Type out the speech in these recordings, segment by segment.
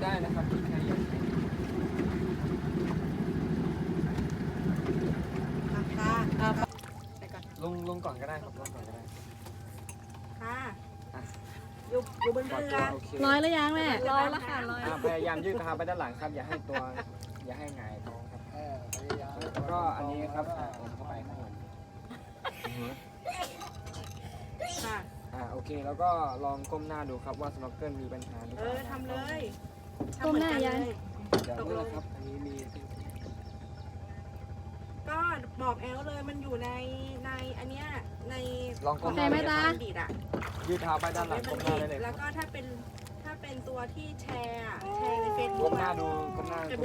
ได้นะครับที่ใครอยากลงก่อนก็ได้ครับลงก่อนก็ได้ค่ะอยู่บนเรือร้อยหรือยังแม่ร้อยแล้วค่ะร้อยพยายามยืดเท้าไปด้านหลังครับอย่าให้หงายท้องครับแล้วก็อันนี้ครับผมเข้าไปข้างบนโอเคแล้วก็ลองก้มหน้าดูครับว่าสโนว์เกิลมีปัญหาหรือเปล่าทำเลยก้มหน้ายังเดี๋ยวนี่นะครับอันนี้มีก็บอกแอลเลยมันอยู่ในอันเนี้ยในลองก้มหน้าไหมตายืดเท้าไปด้านหลังก้มหน้าได้เลยแล้วก็ถ้าเป็นตัวที่แชร์ในเฟซบุ๊ก้กมหน้าดูก้มหน้าเลย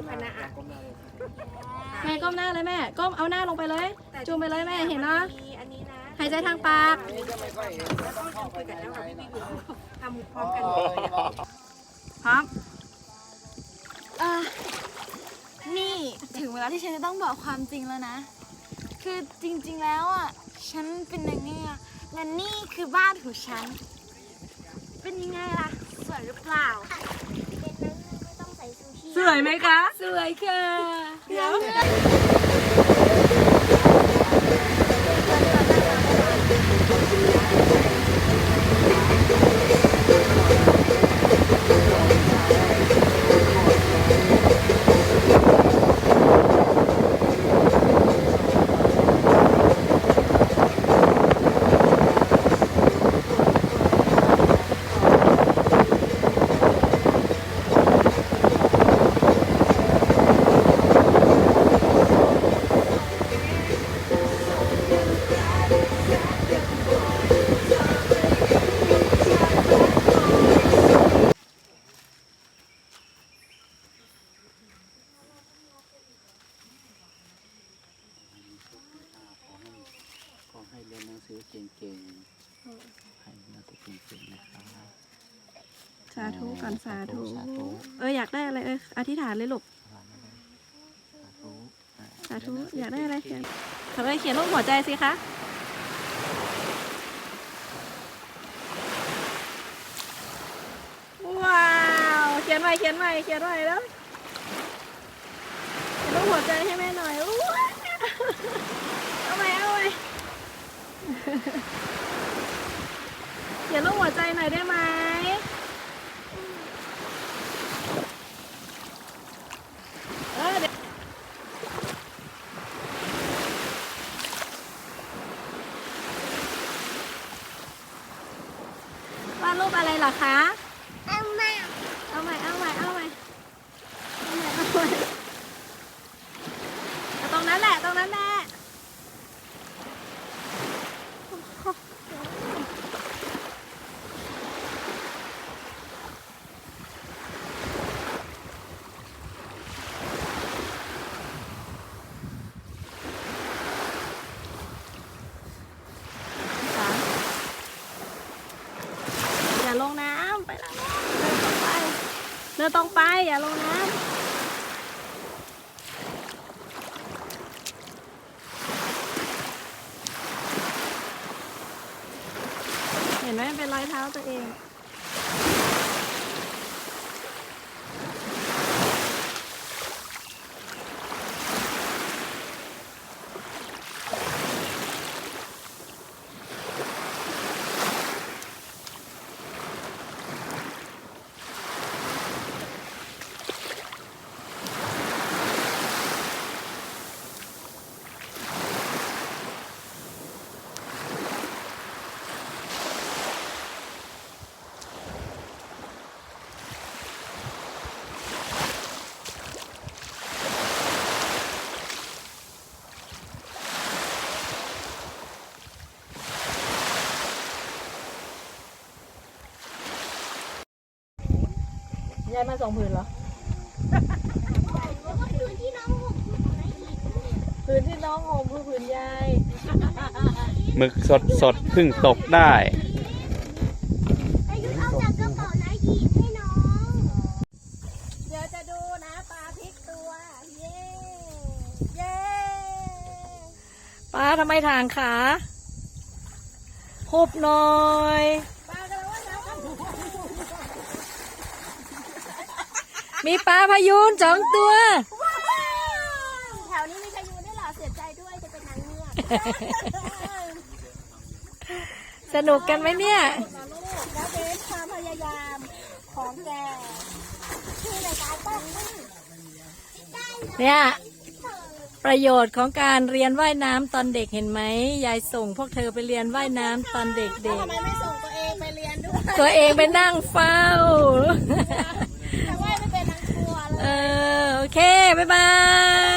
แม่ก้มหน้าเลยแม่ก้มเอาหน้าลงไปเลยจูงไปเลยแม่เห็นเนาะอันนี้นะหายใจทางปากแล้วก็จะคุยกันแล้วค่ะพี่อยู่ทำพร้อมกันพร้อมนี่ถึงเวลาที่ฉันจะต้องบอกความจริงแล้วนะคือจริงๆแล้วอ่ะฉันเป็นนางเงือกและนี่คือบ้านของฉันเป็นยังไงล่ะสวยหรือเปล่าเป็นนางเงือกไม่ต้องใส่ซูชิสวยไหมคะสวยค่ะเดี๋ยวให้เรียนหนังสือเก่งๆให้หนังสือเก่งๆนะคะสาธุก่อนสาธุอยากได้อะไรอธิษฐานเลยลูกสาธุอยากได้อะไรเขียนเขียนรูปหัวใจสิคะว้าวเขียนใหม่แล้วเขียนรูปหัวใจให้แม่หน่อยเอาใหม่เขียนรูปหัวใจหน่อยได้ไหมวาดรูปอะไรเหรอคะเอาใหม่ตรงนั้นแหละอย่าลงน้ำไปแล้วเดินตรงไปอย่าลงน้ำเห็นไหมเป็นรอยเท้าตัวเองยายมา2 ผืนเหรอ ผืนที่น้องห่มคือผืนยายหมึกสดเพิ่งตกได้อายุเอาจากกระเป๋านะหยิบให้น้องเดี๋ยวจะดูนะปลาพลิกตัวเย้ปลาทำไมทางขาหุบหน่อยปลากำลังว่าน้ำมีปลาพายูน2 ตัวแถวนี้มีพายุด้วยเหรอเสียใจด้วยจะเป็นนางเงือกสนุกกันไหมเนี่ยแล้วเบสความพยายามของแกคือในการป้องกันเนี่ย ประโยชน์ของการเรียนว่ายน้ำตอนเด็กเห็นไหมยายส่งพวกเธอไปเรียนว่ายน้ำตอนเด็กทำไมไม่ส่งตัวเองไปเรียนด้วยๆ ตัวเองไปนั่งเฝ้าแต่ว่าไม่เป็นนางครัวเลยโอเค บ๊ายบาย